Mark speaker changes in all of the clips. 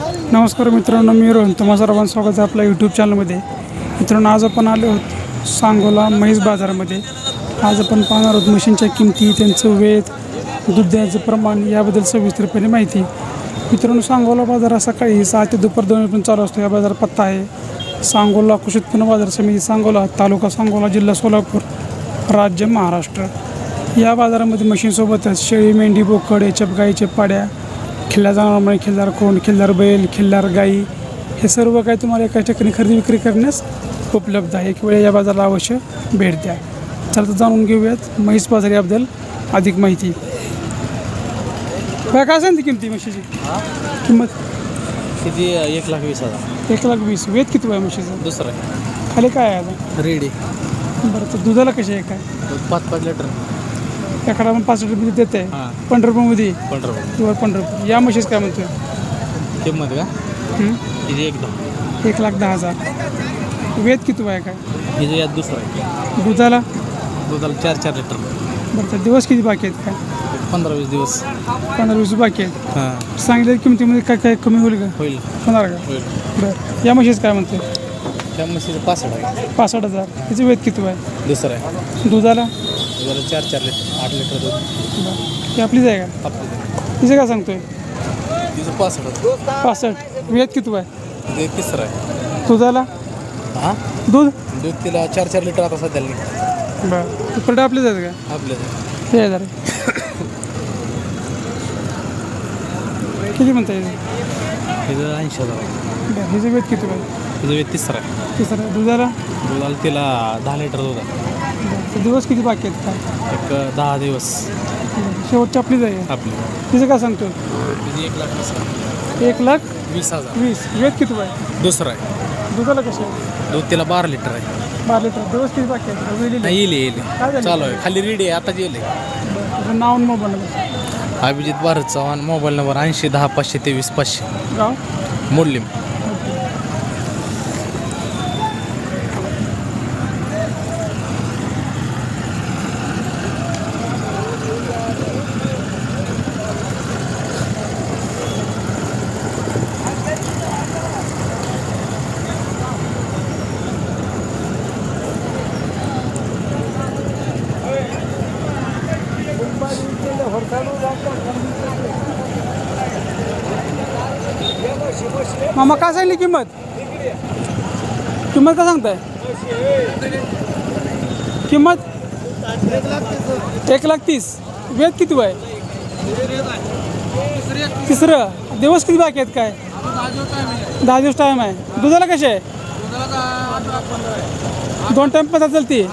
Speaker 1: नमस्कार मित्रांनो, मी रोहन. तुम्हा सर्वांचं स्वागत आहे आपल्या यूट्यूब चॅनलमध्ये. मित्रांनो, आज आपण आलो आहोत सांगोला म्हैस बाजारामध्ये. आज आपण पाहणार आहोत म्हशींच्या किमती, त्यांचं वेत, दूध द्यायचं प्रमाण याबद्दल सविस्तरपणे माहिती. मित्रांनो, सांगोला बाजार सकाळी 6 ते दुपार 2 पर्यंत चालू असतो. या बाजार पत्ता आहे सांगोला कृषी उत्पन्न बाजार समिती, सांगोला, तालुका सांगोला, जिल्हा सोलापूर, राज्य महाराष्ट्र. या बाजारामध्ये म्हशींसोबतच शेळी, मेंढी, बोकड, एचप गाईच्या पाड्या, खिल्लार जनावरांमध्ये खिल्लार कोंड, खिल्लार बैल, खिल्लार गाई, हे सर्व काही तुम्हाला एका ठिकाणी खरेदी विक्री करण्यास उपलब्ध आहे. एक वेळ या बाजाराला अवश्य भेट द्या. चला तर जाणून घेऊयात म्हैस बाजार याबद्दल अधिक माहिती. काय सांगते किमती म्हशीची? किंमत
Speaker 2: किती? 1,20,000.
Speaker 1: 1,20,000. वेत किती आहे म्हशीचं?
Speaker 2: दुसरं आहे
Speaker 1: खाली काय आहे आता?
Speaker 2: रेडी.
Speaker 1: बरं, तर दुधाला कशी आहे काय?
Speaker 2: 5-5 लिटर.
Speaker 1: एखादा आपण 5 रुपये देते,
Speaker 2: हां.
Speaker 1: 15 रुपयामध्ये
Speaker 2: 15 रुपये.
Speaker 1: किंवा 15 रुपये. या म्हशीच काय म्हणतोय?
Speaker 2: किंमत का? किती? 1,10,000.
Speaker 1: 1,10,000. वेत किती आहे काय?
Speaker 2: हिचं यात दुसरं आहे.
Speaker 1: दुधाला?
Speaker 2: दुधाला 4-4 लिटर.
Speaker 1: बरं, तर दिवस किती बाकी आहेत काय?
Speaker 2: 15-20 दिवस.
Speaker 1: 15-20 बाकी आहेत.
Speaker 2: हां,
Speaker 1: सांगितलेल्या किमतीमध्ये काय काय कमी होईल का?
Speaker 2: होईल
Speaker 1: होणार का?
Speaker 2: होईल.
Speaker 1: बरं, या म्हशीच काय म्हणते?
Speaker 2: त्या म्हशीचं 65 आहे.
Speaker 1: 65,000. त्याचं वेत किती आहे?
Speaker 2: दुसरं आहे.
Speaker 1: दुधाला?
Speaker 2: दुधाला 4-4 लिटर, 8 लिटर दूध.
Speaker 1: बरं, ती आपलीच आहे का?
Speaker 2: आपलं
Speaker 1: तिचं काय सांगतोय?
Speaker 2: तिचं 65.
Speaker 1: 65. वेत किती आहे?
Speaker 2: ते तिसरं आहे.
Speaker 1: दुधाला?
Speaker 2: हां,
Speaker 1: दूध?
Speaker 2: दूध तिला 4-4 लिटर आता सध्याला निघतं.
Speaker 1: बरं, ते प्रोडक्ट आपलीच आहेत का?
Speaker 2: आपलं
Speaker 1: हे हजार. किती म्हणता येईल?
Speaker 2: तिचं 80,000 आहे.
Speaker 1: बरं, हिचं वेत किती आहे?
Speaker 2: तिचं वेळ तिसरं आहे.
Speaker 1: तिसरं. दुधाला?
Speaker 2: दुधाला तिला 10 लिटर दूध आहे.
Speaker 1: बरं, तर दिवस किती बाकी आहेत काय?
Speaker 2: एक 10 दिवस.
Speaker 1: शेवटची आपलीच आहे.
Speaker 2: आपली
Speaker 1: तिचं काय सांगतो?
Speaker 2: तिची 1,20,000.
Speaker 1: 1,20,000. वेत किती आहे?
Speaker 2: दुसरं आहे.
Speaker 1: दुधाला कशी आहे?
Speaker 2: दूध तिला 12 लिटर आहे.
Speaker 1: 12 लिटर. दिवस किती बाकी आहेत? वेळेली?
Speaker 2: नाही, येईल
Speaker 1: काय झालं?
Speaker 2: चालू आहे. खाली रेडी आहे, आता येईल.
Speaker 1: बरं, तुझं नाव आणि mobile number?
Speaker 2: Abhijit Bharat Chavan. Mobile number 80 10 523 500.
Speaker 1: गाव?
Speaker 2: मोडलीम.
Speaker 1: मामा काय सांगली किंमत? किंमत काय सांगताय? किंमत 1,30,000. वेत किती आहे? तिसरं. दिवस किती बाकी आहेत काय? 10 दिवस टाईम आहे. दुधाला कसे आहे? 2 टाईम पदार्थ चालते.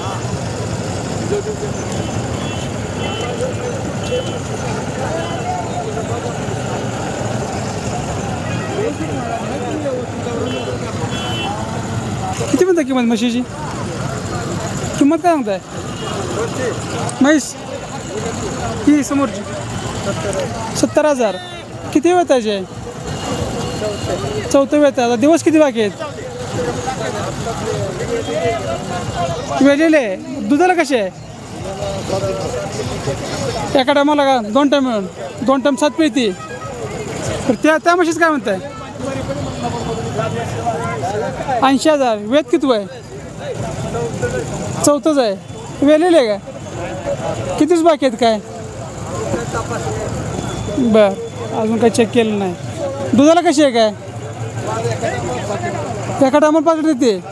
Speaker 1: किती म्हणता किंमत म्हशीची? किंमत काय सांगताय? म्हैस ही समोरची 70,000. किती वेळ त्याचे? चौथं वेळ. आता दिवस किती बाकी आहेत? वेळेले. दुधाला कसे आहे? एका टायमाला का? 2 टाईम मिळून 2 टाईम 7 पिळती. तर त्या म्हशीच काय म्हणताय? 80,000. वेत किती आहे? चौथंच आहे. वेलेले आहे का? कितीच बाकी आहेत काय? बरं, अजून काही चेक केलं नाही. दुधाला कशी आहे काय? एका टायमाला 5 लिटर देते.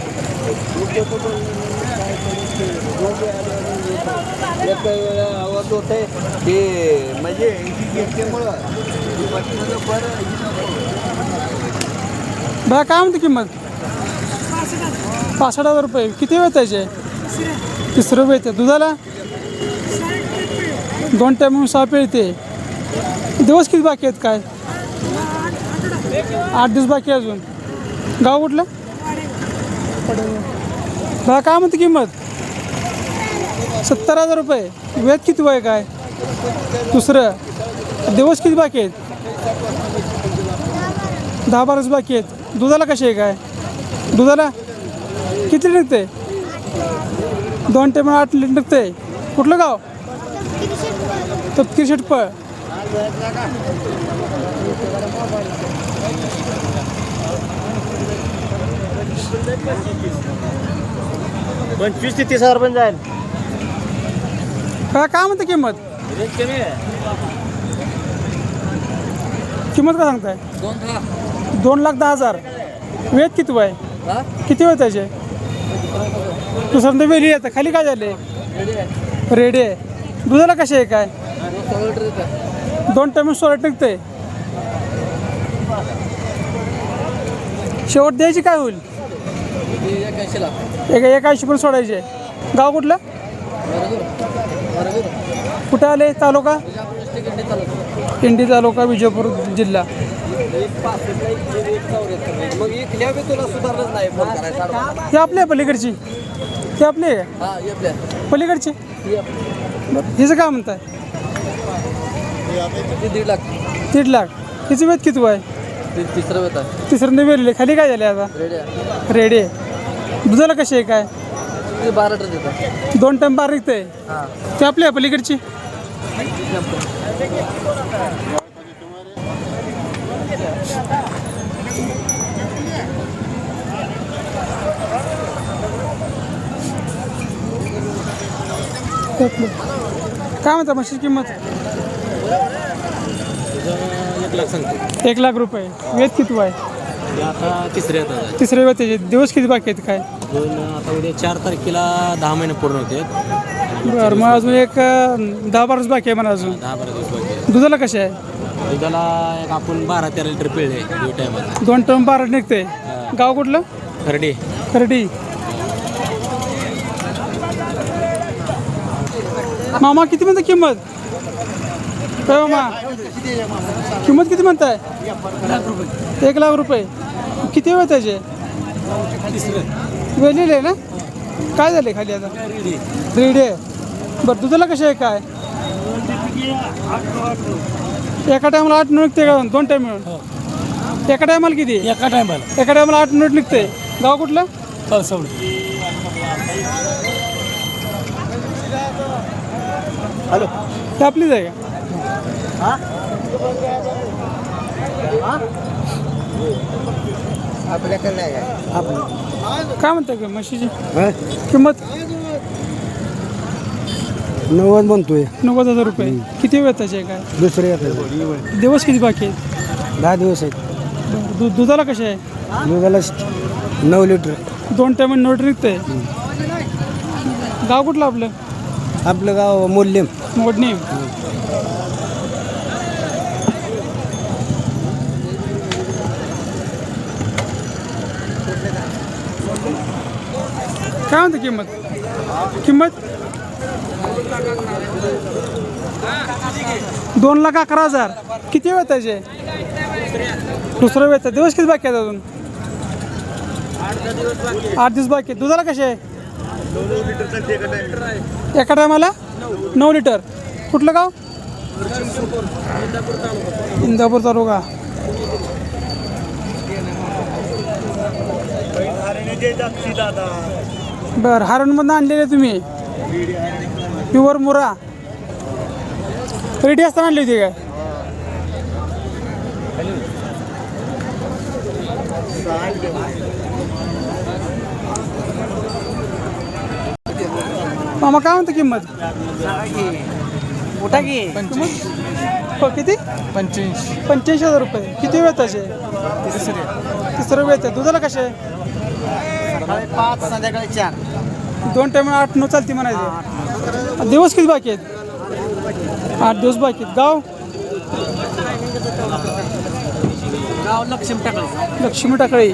Speaker 1: बरं, काय म्हणते किंमत? 65,000 रुपये. किती वेळ त्याचे? तिसरं वेळ. दुधाला 2 टाईम म्हणून 6 पिळते. दिवस किती बाकी आहेत काय? 8 दिवस बाकी आहे अजून. गाव कुठलं? बरं, काय म्हणते किंमत? 70,000 रुपये. वेत किती वय काय? दुसरं. दिवस किती बाकी आहेत? 10-12 बाकी आहेत. दुधाला कशी आहे काय? दुधाला किती निघते? 2 टाइम 8 लिटर निघते. कुठलं गाव? तपकीर शेटपळ.
Speaker 3: 25 ते 30 हजार पण जाईल.
Speaker 1: काय म्हणते किंमत
Speaker 3: रेट कमी आहे.
Speaker 1: किंमत काय सांगताय 2,10,000. वेद किती आहे किती वेळ त्याचे दुसऱ्यांदा वेली येतं खाली काय झाले रेडी आहे दुधाला कसे आहे काय 2 टाइम 16 निघते शेवट द्यायची काय होईल 81 पण सोडायचे गाव कुठलं कुठं आले तालुका इंडी तालुका विजयपूर जिल्हा ते आपल्या पलीकडची ते आपले पलीकडची हिचं काय म्हणताय 1.5 लाख हिचं वेद किती आहे तिसऱ्यांदा वेरले खाली काय झाले आता रेडी आहे दुधाला कशी आहे काय 2 टाइम 12 निघते ते आपल्या पलीकडची काय म्हणता म्हशीची किंमत
Speaker 3: 1 लाख सांगतो.
Speaker 1: 1 लाख रुपये वेद किती आहे
Speaker 3: आता तिसरे येतात.
Speaker 1: तिसरे वेळ त्याचे दिवस किती बाकी आहेत काय
Speaker 3: आता उद्या 4 तारखेला 10 महिने पूर्ण होते.
Speaker 1: बरं मग अजून एक 10-12 दिवस बाकी आहे मला अजून
Speaker 3: 10-12 दिवस बाकी.
Speaker 1: दुधाला कसे आहे
Speaker 3: दुधाला एक आपण 12-13 लिटर पिळले 2 टायमाला.
Speaker 1: 2 टाइम 12 निघते गाव कुठलं
Speaker 3: खरडे.
Speaker 1: खर्डी मामा किती म्हणता किंमत काय मामा किंमत किती म्हणताय 1 लाख रुपये किती वेळ त्याचे वेळलेले ना काय झाले खाली आता रेडी आहे बरं दुधाला कसे आहे काय एका टायमाला 8 मिनिट निघते का 2 टाइम मिळून एका टायमाला किती
Speaker 3: एका टायमाला
Speaker 1: 8 मिनिट निघते गाव कुठलं
Speaker 3: कळसवड. हॅलो
Speaker 1: ते आपलीच आहे का
Speaker 3: आपल्याकडे नाही
Speaker 1: काय म्हणताय का म्हशीची किंमत
Speaker 4: 90 म्हणतोय
Speaker 1: 90,000 रुपये किती वेळ त्याचे आहे काय
Speaker 4: दुसरे येतात
Speaker 1: दिवस किती बाकी आहेत
Speaker 4: 10 दिवस आहेत
Speaker 1: बरं दुधाला कसे आहे
Speaker 4: दुधाला 9 लिटर
Speaker 1: 2 टाइम नोट निघते गाव कुठलं आपलं
Speaker 4: आपलं गाव मोल्यम
Speaker 1: मोडणी काय म्हणते किंमत किंमत 2,11,000 किती वेळ त्याचे दुसरं वेळ दिवस किती बाकी आहेत अजून 8 दिवस बाकी आहेत दुधाला कसे आहे एका टायमाला 9 लिटर कुठलं गाव इंदापूर तालुका बरं हारणमधून आणलेले तुम्ही प्युअर मुरा रेडी असताना आणली होती काय मामा काय म्हणतो किंमत
Speaker 2: मोठा की
Speaker 1: हो किती 85,000 रुपये किती वेळ त्याचे तिसरं वेळ आहे दुधाला कसे
Speaker 3: 5 संध्याकाळी 4.
Speaker 1: 2 टाइम 8-9 चालते म्हणायचे दिवस किती बाकी आहेत 8 दिवस बाकी आहेत गाव लक्ष्मी टाकळी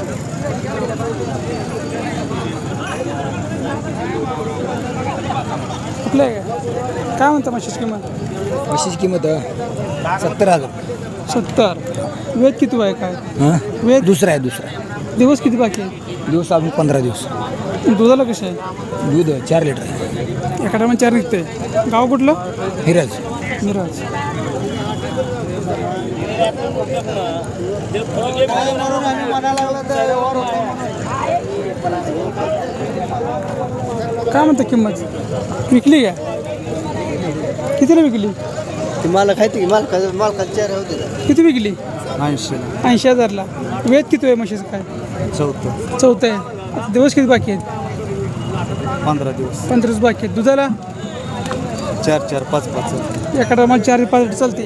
Speaker 1: कुठलं आहे काय म्हणता म्हशीची किंमत
Speaker 4: म्हशीची किंमत 70,000
Speaker 1: 70 वेद किती आहे काय
Speaker 4: हां
Speaker 1: वेद
Speaker 4: दुसरा आहे
Speaker 1: दिवस किती बाकी आहे
Speaker 4: दिवस अजून 15 दिवस
Speaker 1: दुधाला कसे आहे
Speaker 4: दूध 4 लिटर आहे
Speaker 1: एका टायमा 4 निघते गाव कुठलं
Speaker 4: हिराज
Speaker 1: मिराज काय म्हणता किंमत विकली का कितीला विकली
Speaker 4: ती मला खायची की मालकाला 4 होते
Speaker 1: किती विकली
Speaker 4: 80
Speaker 1: 80,000ला वेद किती आहे म्हशीचं काय
Speaker 4: 14
Speaker 1: चौथं आहे आता दिवस किती बाकी आहेत?
Speaker 5: 15 दिवस
Speaker 1: 15 दिवस बाकी आहेत. दुधाला
Speaker 5: 4 5 5
Speaker 1: एका टायमाला 4 5 लिटर चालते.